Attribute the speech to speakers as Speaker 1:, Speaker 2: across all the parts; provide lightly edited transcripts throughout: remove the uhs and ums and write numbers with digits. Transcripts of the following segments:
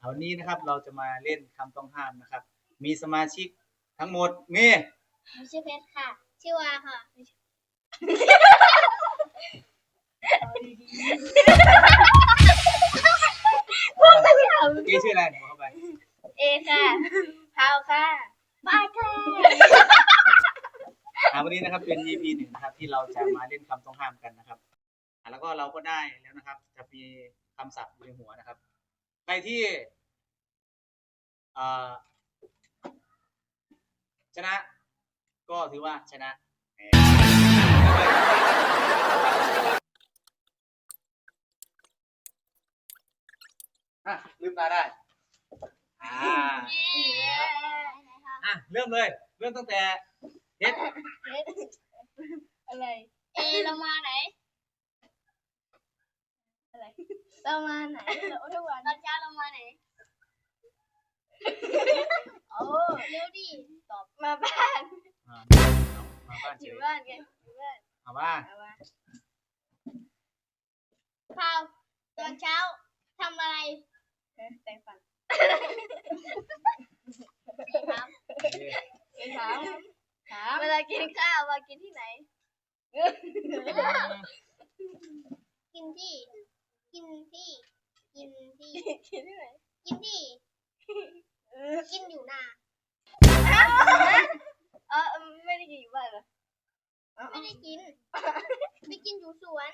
Speaker 1: วันนี้นะครับเราจะมาเล่นคำต้องห้ามนะครับมีสมาชิกทั้งหมดมี
Speaker 2: ชื่อเพชรค่ะชื่อวาค่ะ
Speaker 1: เก๋ชื่ออะไรบอกเข้าไป
Speaker 2: เอค่ะพาวค่ะบายค่ะ
Speaker 1: วันนี้นะครับเป็น EP 1นะครับที่เราจะมาเล่นคำต้องห้ามกันนะครับแล้วก็เราก็ได้แล้วนะครับจะมีคำศัพท์อยู่ในหัวนะครับใครที่ชนะก็ถือว่าชนะลืมตาได้เริ่มเลยเริ่มตั้งแต่เฮ็ด
Speaker 2: อะไรเรามาไหนอะไรเรามาไหนเราทุกวันตอนเช้าเรามาไหนโอ้เร็วดิตอบมาบ้านอยู่บ้านกันอยู่บ้าน
Speaker 1: มาบ้าน
Speaker 2: พาวตอนเช้าทำอะไรแต่งฟันถามเวลากินข้าวมากินที่ไหนกินที่กินที่ไหนกินที่กินอยู่นาไม่ได้กินอยู่บ้านเหรอไม่ได้กินไปกินอยู่สวน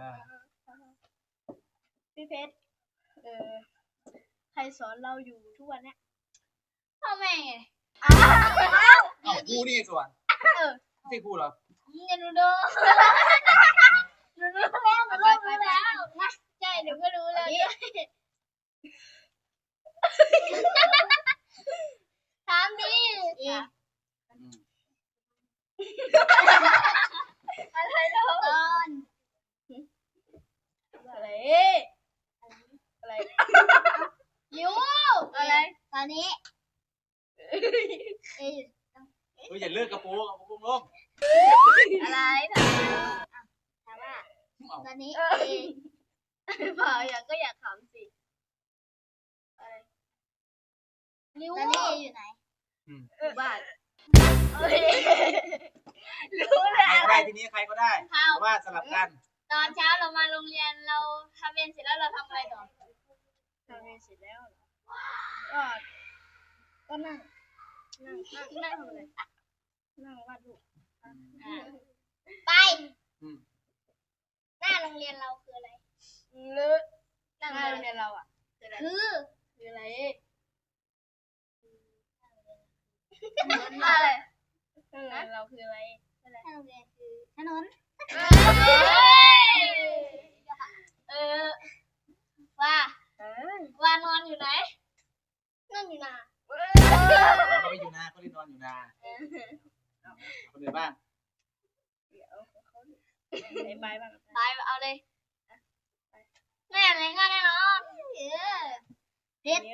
Speaker 2: พี่เพชรใครสอนเราอยู่ทุกวันเนี้ยพ่อแม่ไง
Speaker 1: ครูนี่ส่วนไม่ครูเหรอ
Speaker 2: หนูรู้แล้วใช่หนูก็รู้แล้วถามดิอะไรเราตอนอะไรยูอะไรตอนนี้
Speaker 1: อย่าเลิกกระโปรงลง
Speaker 2: อะไรถามว่าตอนนี้เปล่าอยากถามสิตอนนี้อยู่ไหนอยู่บ้านรู้แล้ว
Speaker 1: ใครทีนี้ใครก็ได้เพราะว่าสลับกัน
Speaker 2: ตอนเช้าเรามาโรงเรียนเราทำเรียนเสร็จแล้วเราทำอะไรต่อทำเรียนเสร็จแล้วก็นั่งทำอะไรนั่งวาดรูปไปหน้าโรงเรียนเราคืออะไรหน้าโรงเรียนเราอ่ะคืออะไรเราคืออะไรหน้าโรงเรียนคือถนนว่านอนอยู่ไหนนอนอยู่นา
Speaker 1: เขาไปอยู่นาเขาเล่นนอนอยู่นาคนอื่นบ้าง
Speaker 2: เดี๋ยวเขาไปบ้างไปเอาเลยแม่อะไรง่ายแน่นอนเพชร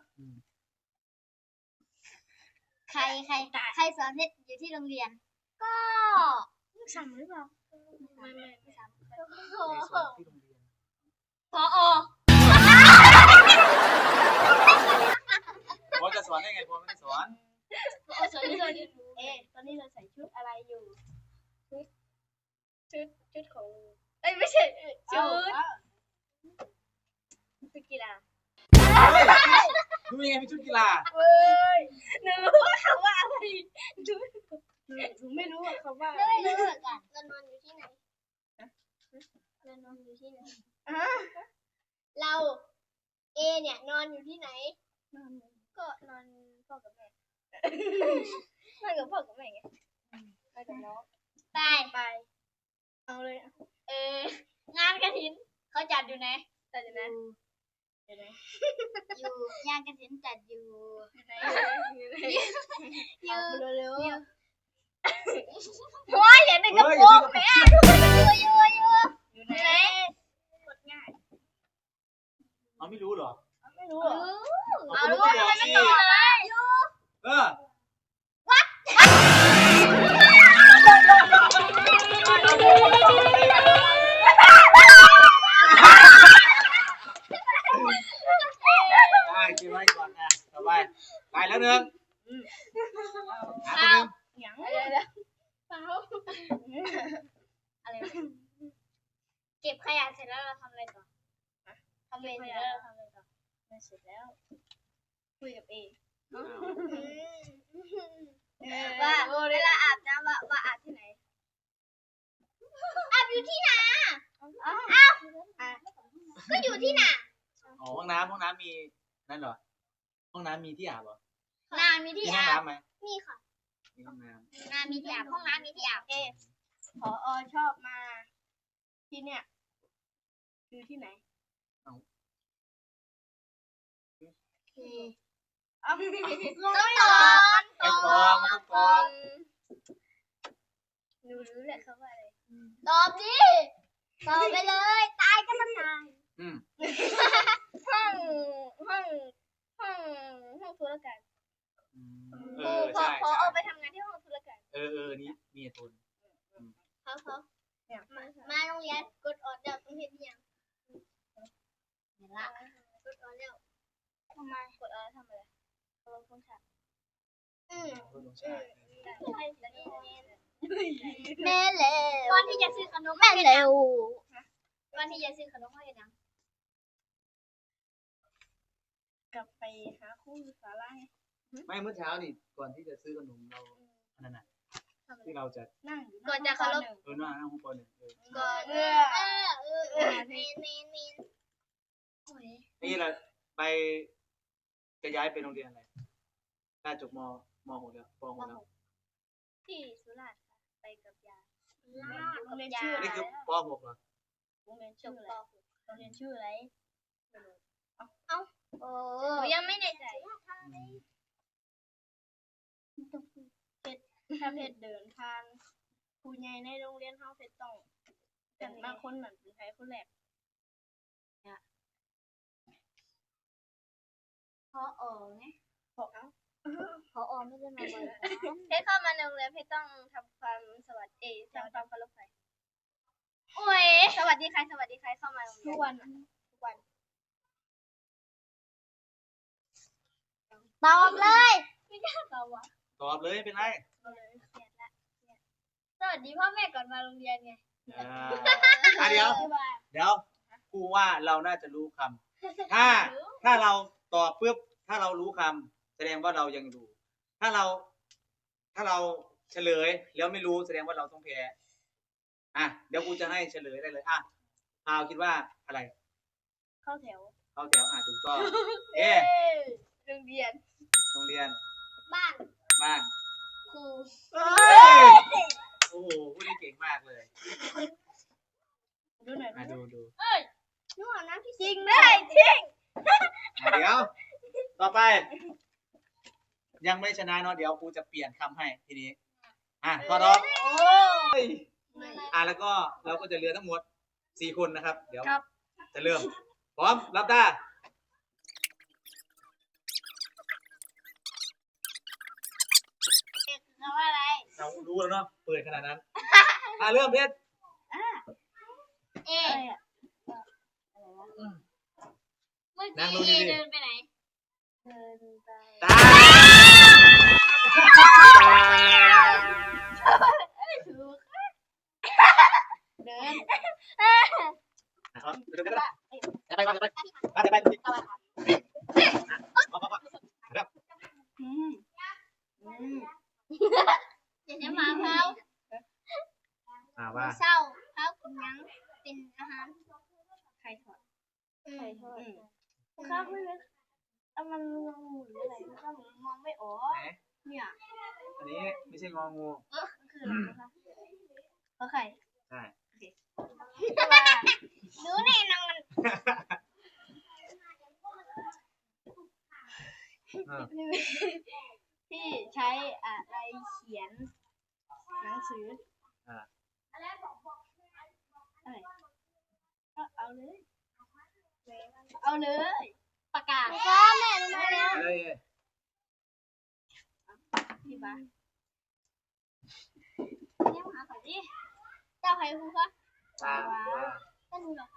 Speaker 2: ใครสอนเพชรอยู่ที่โรงเรียนก็ซ้ำหรือเปล่าไม่ซ้ำพอ
Speaker 1: พ่อจะสอนได้ไงพ่อไม่ได้สอน
Speaker 2: ตอนนี้เราใส่ชุดอะไรอยู่ชุดของไม่ใช่ชุดกีฬา
Speaker 1: ดูยังไงเป็นชุดกีฬา
Speaker 2: หนูรู้ว่าคำว่าอะไรหนูไม่รู้ว่าคำว่าไม่รู้เหมือนกันเรานอนอยู่ที่ไหนเราเนี่ยนอนอยู่ที่ไหนก็นอนพ่อกับแม่นอนกับพ่อกับแม่ไงไปกับน้องไปเอาเลยงานกฐินเขาจัดอยู่ไหนจัดอยู่ไหนอยู่งานกฐินจัดอยู่เร็วว้ายอย่าในกระโปรงแม่อยู่ไหนกดง่าย
Speaker 1: ไม่รู้เหรอ
Speaker 2: ไม่รู้เอารู้ทำไมไม่ตอบเลยวัด
Speaker 1: เก็บไว้หนึ่งหาคนหนึ่ง
Speaker 2: หยังอะไรเปล่าอะไรเก็บขยะเสร็จแล้วเราทำอะไรต่อทำเวรเสร็จแล้วเราทำอะไรต่อเสร็จแล้วคุยกับเอว่าเวลาอาบน้ำว่าอาบที่ไหนอาบอยู่ที่นาอ้าวก็อยู่ที่นา
Speaker 1: อ๋อห้องน้ำมีนั่นเหรอห้องน้ำมีที่อาบเหรอ
Speaker 2: นามีที่
Speaker 1: มีห้อง
Speaker 2: อาบ
Speaker 1: น้ำไหม
Speaker 2: มีค่ะ
Speaker 1: มีห้องน้
Speaker 2: นามีที่อาบห้องน้ำมีที่อาบผอชอบมาที่เนี่ยคือที่ไหนต้องตอบ
Speaker 1: ำมันต้องตอบ
Speaker 2: รู้แหละเขาว่าอะไรตอบดิตอบไปเลยตายก็ต้องตาย ห้องธุรการ พอ
Speaker 1: ใช่
Speaker 2: เอาไปทำงานที่ห้องธุรการ
Speaker 1: นี่มีเหตุผล
Speaker 2: เขามาโรงเรียนกดออดเดี๋ยวต้องเห็นยังเห็นละกดออดแล้วทำไมกดออดทำอะไรเอาลงช่องแชทแม่เร็วก่อนที่จะซื้อขนมแม่เร็วก่อนที่จะซื้อขนมให้ยังกลับไปหาครูสาระ
Speaker 1: ไม่เมื่อเช้านี่ก่อนที่จะซื้อขนมเราอันนั้นน่ะที่เราจะ
Speaker 2: นั่งก่อนจะเคารพ
Speaker 1: นั่งห้องปหนึ่ง
Speaker 2: ก่อนเมน
Speaker 1: นี่เราไปจะย้ายไปโรงเรียนอะไรน่าจบมหกแล้วปหกแล้ว
Speaker 2: ที่สุราษฎร์ค่ะไปกับยายโรงเรียนชื่ออะไร
Speaker 1: นี่คือปหกเหรอ
Speaker 2: โรงเรียนชื่ออะไรโรงเรียนชื่ออะไรโอ้ยังไม่แน่ใจถ้าเพชรเดินผ่านครูใหญ่ในโรงเรียนเฮาเพชรต้องเป็นมาคนนั้นเป็นใครคนแรกพอไงพอไม่ได้มาบ่อยเพชรเข้ามาในโรงเรียนเพชรต้องทำความสวัสดีทำความเคารพใครโอ้ยสวัสดีใครเข้ามาโรงเรียนทุกวันตอบเลยไม่กล้าตอบว่ะ
Speaker 1: ตอบเลยเป็นไร
Speaker 2: สวัสดีพ่อแม่ก่อนมาโรงเรียนไง
Speaker 1: เดี๋ยวครูว่าเราน่าจะรู้คำถ้าเราตอบปุ๊บถ้าเรารู้คำแสดงว่าเรายังรู้ถ้าเราเฉลยแล้วไม่รู้แสดงว่าเราต้องแพ้เดี๋ยวครูจะให้เฉลยได้เลยพาวคิดว่าอะไร
Speaker 2: เข้าแถว
Speaker 1: ถูกต้อง
Speaker 2: โรงเรียนบ้านครู
Speaker 1: โอ้โหพูดได้เก่งมากเลย
Speaker 2: ดูหน่อย
Speaker 1: ดู
Speaker 2: นู่นน้ำที่จริงได้จริง
Speaker 1: เดี๋ยวต่อไปยังไม่ชนะเนาะเดี๋ยวครูจะเปลี่ยนคำให้ทีนี้พอแล้วแล้วก็เราก็จะเหลือทั้งหมด4 คนนะครับเดี๋ยวจะเริ่มพร้อมรับตาเรารู้แล้วเนาะเปิดขนาดนั้นเริ่มเพชร
Speaker 2: เมื่อกี้เดินไปไหนเดินไป
Speaker 1: ตา
Speaker 2: เดินจะมาเท้า
Speaker 1: ว่า
Speaker 2: เศร้าเท้ากินยังเป็นอาหารไข่ทอดข้าวไม่เลยมันงงหรืออะไรข้าวมองไม่ออกเนี่ย
Speaker 1: อันนี้ไม่ใช่งองู
Speaker 2: คืออะไรนะคะเพราะไข่
Speaker 1: ใช่
Speaker 2: รู้แน่นอนที่ใช้อะไรเขียนหนังสืออะไรก็เอาเลยปากกาแม่รู้ไหมแล้วพี่บ้าเนี่ยหาก่อนดิเจ้าใครครูคะก็รู้หรอก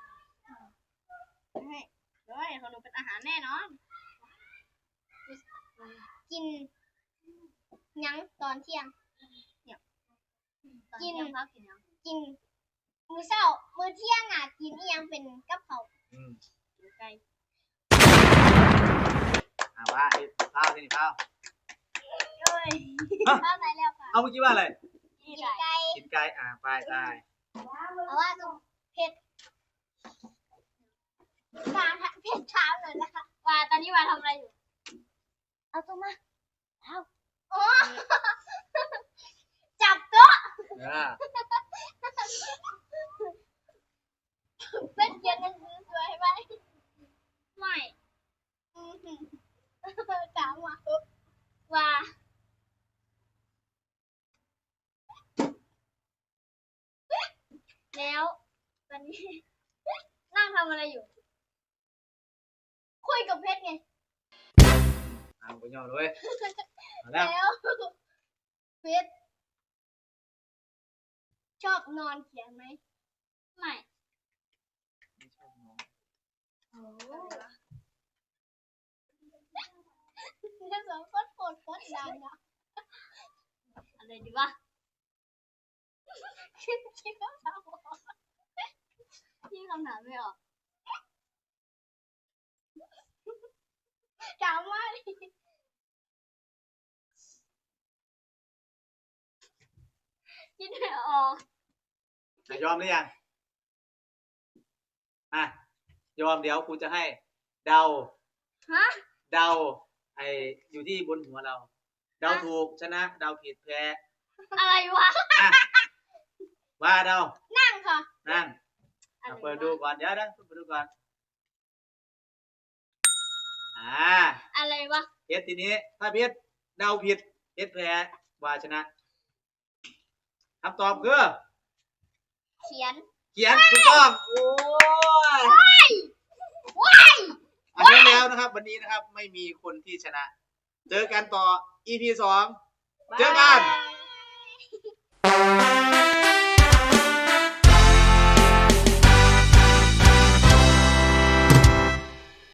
Speaker 2: ให้เดี๋ยวให้ขนมเป็นอาหารแน่นอนกินหยังตอนเที่ยงกินกินมื้อเช้ามื้อเที่ยงอ่ะกินอีหยังเป็นกับข้าว ไก่
Speaker 1: ว่าไอ้ข้าวนี่ข้าว
Speaker 2: โอ้ยข้าวไหนแล้วค่ะ
Speaker 1: เอาเมื่อกี้ว่าอะไร
Speaker 2: กินไก่
Speaker 1: กินไก่ไปได้
Speaker 2: เพราะว่าตรงเผ็ดมาเผ็ดเช้าเลยนะคะว่าตอนนี้ว่าทำอะไรอยู่เอาตัวมาเอาโอ้จับโต๊ะเป็นเขียนหนังสือสวยไหมไม่ถามว่าแล้วตอนนี้นั่งทำอะไรอยู่คุยกับเพชรไง
Speaker 1: ไปย่อเลยแล้ว
Speaker 2: แล้วเพชรชอบนอนเขียนไหมไม่โอ้เรื่องสองคนโคตรดังนะอะไรดีวะคิดคำถามไม่ออกคิดคำถามไม่ออกถามว่าคิดไม่ออก
Speaker 1: ยอมหรือยังยอมเดี๋ยวครูจะให้เดาเดาอยู่ที่บนหัวเราเดาถูกชนะเดาผิดแพ้
Speaker 2: อะไรวะ
Speaker 1: ว่าเดา
Speaker 2: นั่งค่ะ
Speaker 1: นั่งเปิดดูก่อนเดี๋ยวนะเปิดดูก่อน
Speaker 2: อะไรวะ
Speaker 1: เพชรทีนี้ถ้าเพชรเดาผิดเพชรแพ้ว่าชนะคำตอบคือ
Speaker 2: เขียน
Speaker 1: ถูกต้องโอ้ยแล้วนะครับวันนี้นะครับไม่มีคนที่ชนะเจอกันต่อ EP 2เจอกัน